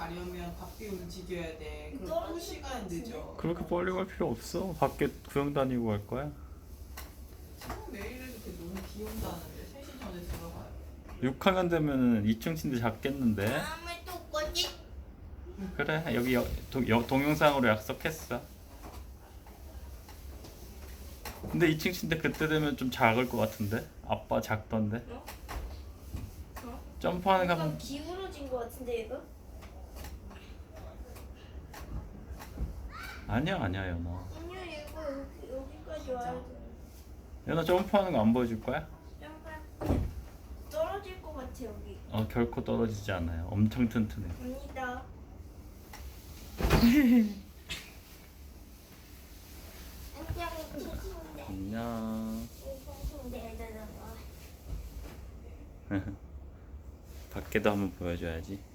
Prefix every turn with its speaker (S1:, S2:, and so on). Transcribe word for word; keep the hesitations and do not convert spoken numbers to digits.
S1: 가려면 밖에 움직여야 돼. 그럼 또
S2: 떨어질 것
S1: 시간
S2: 같은데?
S1: 늦어.
S3: 그렇게 빨리 갈 필요 없어. 밖에 구경 다니고 갈 거야.
S1: 지금 내일은 이렇게 너무 비 온다는데 세 시 전에 들어가요.
S3: 육 학년 되면은 이 층 침대 잡겠는데?
S2: 다음에 또 거지?
S3: 그래, 여기 여, 도, 여, 동영상으로 약속했어. 근데 이 층 침대 그때 되면 좀 작을 것 같은데? 아빠 작던데?
S2: 어? 어?
S3: 점프하는 거
S2: 약간
S3: 하면
S2: 기울어진 것 같은데 얘가?
S3: 아니야 아니야 연아.
S2: 아니야 얘가 여기, 여기까지 와야 돼.
S3: 연아 점프하는 거 안 보여줄 거야?
S2: 약간 떨어질 것 같아 여기.
S3: 어 결코 떨어지지 않아요. 엄청 튼튼해.
S2: 아니다.
S3: 안녕. 밖에도 한번 보여줘야지.